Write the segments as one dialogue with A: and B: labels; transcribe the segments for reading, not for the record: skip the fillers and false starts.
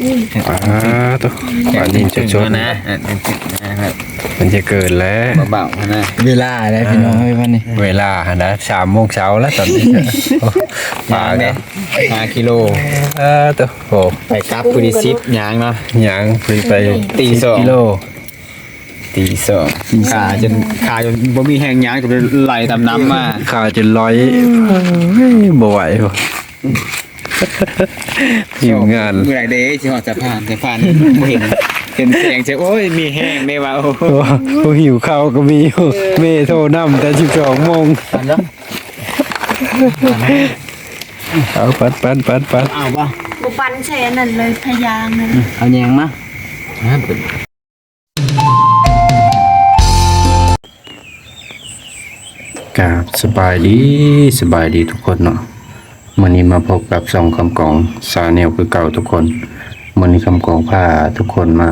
A: ตัวป่านนี้จะชดนะครับมันจะเกิดแล้วเบาๆนะ
B: เวลาได้พี่น้องเฮ้ยวันนี้
A: เวลานะ3 โมงเช้าแล้วตอนนี้ป่าเนี่ย
C: 5 กิโล
A: ตัวโอ้
C: ไปกลับพุริซิปยางเนาะ
A: ยางไป
C: ตี2
A: กิโล
C: ตี2ขาจนบ่มีแห้งยางจนไหลตามน้ำมา
A: ขาจนร้อยบ่ไหวหิวงาน
C: เมื่อไหร่เด้สิฮอดสะพานบ่เห็นเสียงจะโอ้ยมีแห้งได้ว่าโ
A: อ้หิวข้าวก็มีเมโทรนำแต่12 โมงเอาปัด
C: เอาป่ะ
D: บุปันแช่นั่นเลยพยางนั่น
C: เอาแยงมา
A: กับสบายดีทุกคนเนาะวันนี้มาพบกับ2 คำกองซาแนลคือเก่าทุกคนวันนี้คำกองพาทุกคนมา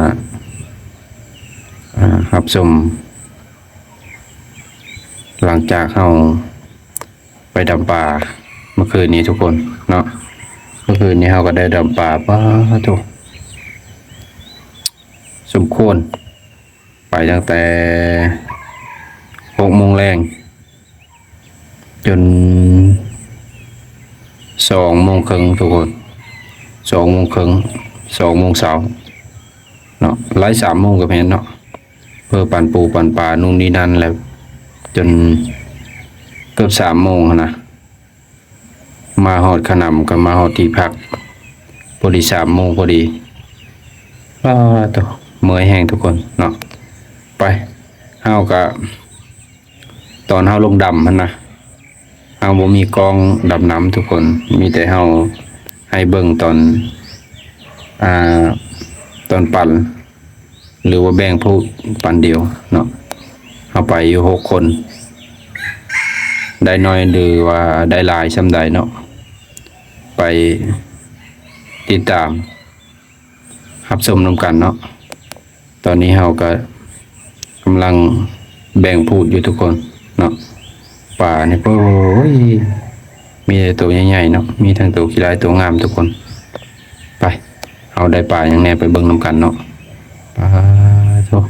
A: รับชมหลังจากเราไปดำป่าเมื่อคืนนี้ทุกคนเนาะเมื่อคืนนี้เราก็ได้ดำป่าป้าทุกสมควรไปตั้งแต่6 โมงแรงจน2 โมงครึ่งทุกคน2 โมงครึ่ง2 โมงเช้าเนาะไล่3 โมงกับเห็นเนาะเพื่อปั่นปูปั่นปลานู่นนี่นั่นแล้วจนเกือบ3 โมงนะมาหอดขนำกับมาหอดที่พักพอดี3 โมงพอดีตัวเมื่อยแห้งทุกคนเนาะไปเฮากับตอนเฮาลงดำมันนะเฮาบ่มีกองดำน้ำทุกคนมีแต่เฮาให้เบิ่งตอนปั่นหรือว่าแบ่งผู้ปั่นเดียวเนาะเฮาไปอยู่6 คนได้น้อยหรือว่าได้หลายส่ำใดเนาะไปติดตามรับชมนำกันเนาะตอนนี้เฮาก็กำลังแบ่งพูดอยู่ทุกคนเนาะป่านี่โอ้ยมีแต่ตัวใหญ่ๆเนาะมีทั้งตัวขี้ร้ายตัวงามทุกคนไปเอาได้ป่าอย่างแน่ไปเบิ่งนำกันเนาะป่าตัว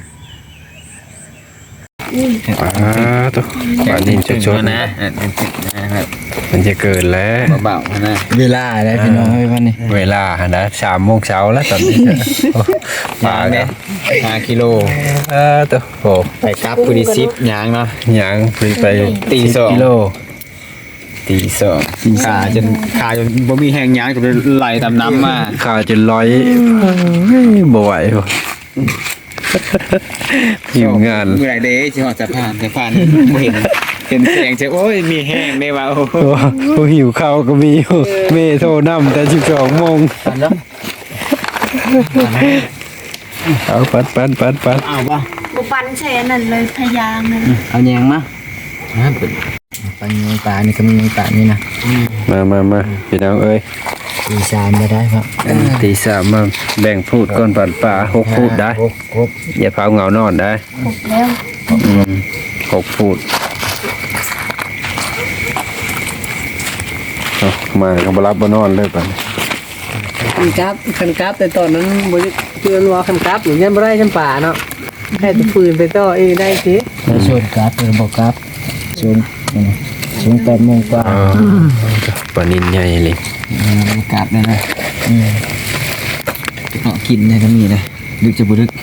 A: ป่านี่จะชดนะครับมันจะเกิดแล้ว
C: เบาๆนะ
B: เวลาได้พี่น้องเฮ้ยวันนี้
A: เวลานะ3 โมงเช้าแล้วตอนนี้ป่าเนี่ย
C: 5 กิโล
A: ตัวโอ้
C: ไปกลับพุริซิปยางเนาะ
A: ยางไป
C: ตี2
A: กิโล
C: ตี2ขาจนบ่มีแห้งยางจนไหลตามน้ำมา
A: ขาจนร้อยบ่ไหวหิวงาน
C: เมื่อไหร่เด้สิฮอดสะพานบ่เห็นเสียงจะโอ้ยมีแห้งได้ว่า
A: โอ้หิวข้าวก็มีเมโทรนำแต่12 โมงเอาปัด
C: เอาป่ะ
D: บุปันแช่นั่นเลยพยางนั่น
C: เอาแยงมา
B: ปันยังป่านี่ก็มียังป่านี่นะ
A: มาพี่น้องเอ้ย
B: ตี3มาได้ครับ
A: ตี 3มาแบ่งพูดก่อนปั่นป่า6 พูดได้อย่าเผาเหงานอนได้
D: 6แล้ว
A: 6 พูดมาเขาบ่รับบ่นอนเลยป่ะ
B: คันกับแต่ตอนนั้นบ่เตือนว่าคันกับหรือยังบ่ได้จำป่าเนาะให้ตะฟืนไปต่อเองได้สิชวนกับหรือบ่กับชวน8 โมงกว่า
A: ปลานิลใหญ่เลย
C: กับได้นะกินได้ก็มีนะดึกจะบ่ดึก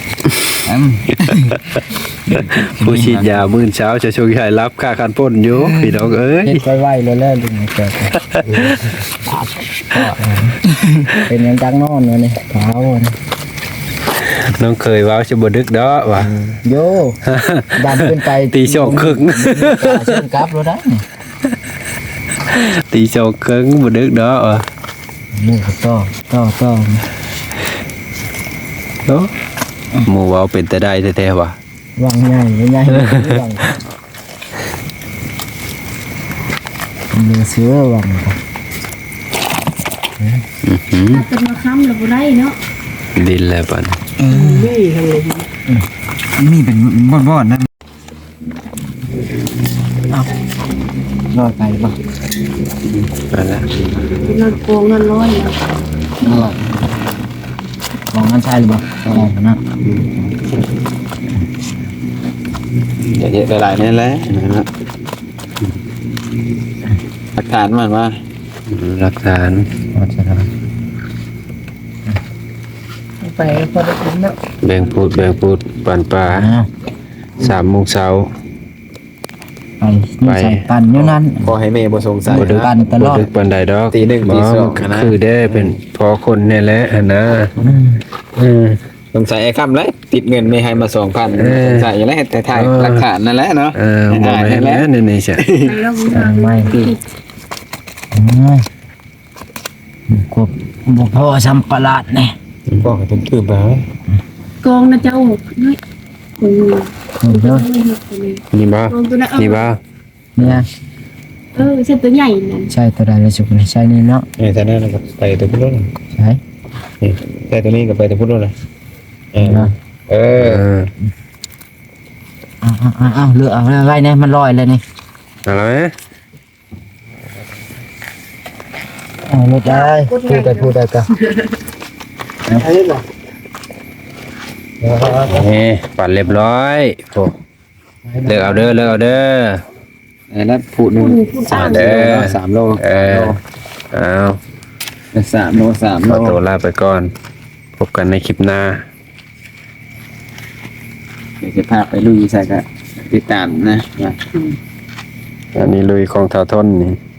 A: ผู้ฉีดยามื้อเช้าจะช่วยให้รับค่าคันพ่นอยู่พี่น้องเอ้ย
B: ค่อยไหวแล้วลุงแกเป็นยังจังนอนวะนี่เท้า
A: น้องเคยว้าวจะบ่ดึกดอกว่ะ
B: โยดำขึ้นไป
A: ตี 2 ครึ่ง
B: ชนกับรถได้
A: ตี 2 ครึ่งบ่ดึกดอกว่ะ
B: นี่ก็ต่อ
A: เนาะหมู่ว้าวเป็นแต่ได้แท้ๆว่ะ
B: วางใหญ่เนื้อเสือวาง
D: เป็นมาค้ำหรือไรเนาะ
A: ดินแล้วป่ะ
C: มีเป็นบ่อนๆนั่น
B: รอดไปป่ะ
A: นั่นแหละ
D: เป็นรถโกงเงินร้อย
B: ใช่หรือเปล่านะ
C: เยอะๆหลายๆนี่แหละนะครับหลักฐานมันว่า
A: หลักฐาน
B: ไปพอได้กินเนาะ
A: แบ่งพูดปันปลา3 โมงเช้า
B: ไปใส่ปั่นอยู่นั่น
C: ขอให้แม่บ่สงสัย
A: บ่ดึก
B: ปั่นตลอด
A: บ่ดึกปานใดดอก
C: ตีหนึ่งตีสอง
A: บ่
C: นะ
A: คือได้เป็นพอคนนี่แหละนะม
C: สงสัยไอ้คำเลยติดเงินไม่ให้มา 2,000
A: เออ
C: สงสัยอย่างไรแต่ถ่าย
A: เออ
C: หลักฐานนั่นแหละเนาะ
A: บ่แม่น
C: แหละ
A: แล้วนี่ๆใช่
D: ไปแล้วบ่
B: ไม่กบบุพ่อสัมปราดเนี่ย
C: บอกให้ตื่นๆไป
D: กองนะเจ้าน้อยโอ้ย
B: เด้อ
A: นี่บ่
D: กองตัวนั้น
A: นี่บ่
B: เนี่ย
D: ใช่ตัวใหญ่นั่น
B: ใช่ตัวใดเลยสุกนี่ใช่นี่เนาะ
C: นี่แต่นั่นก็ไปตัวพุ่นเลย
B: ใช่
C: นี่แต่ตัวนี้ก็ไปตัวพุ่นเลยเออ
B: เนาะ
C: เออ
B: เอาเลือกเอาอะไรเนี่ยมันลอยเลยนี่
A: เอาละไหม
B: เอาไม่ได้พูดได้ก็
A: นี่ปั่นเรียบร้อยโอ้เลือกเอาเด้อ
C: แล้วผูหนึ่ง
A: เด้อ
C: 3 โล
A: เออเอา
C: 3 โล 3
A: ข
C: โล
A: อตัวลาไปก่อน พบกันในคลิปหน้า
C: เดี๋ยวจะพาไปลุยใส่ก็ติดตามนะ
A: อันนี้ลุยของเท่าทนนี่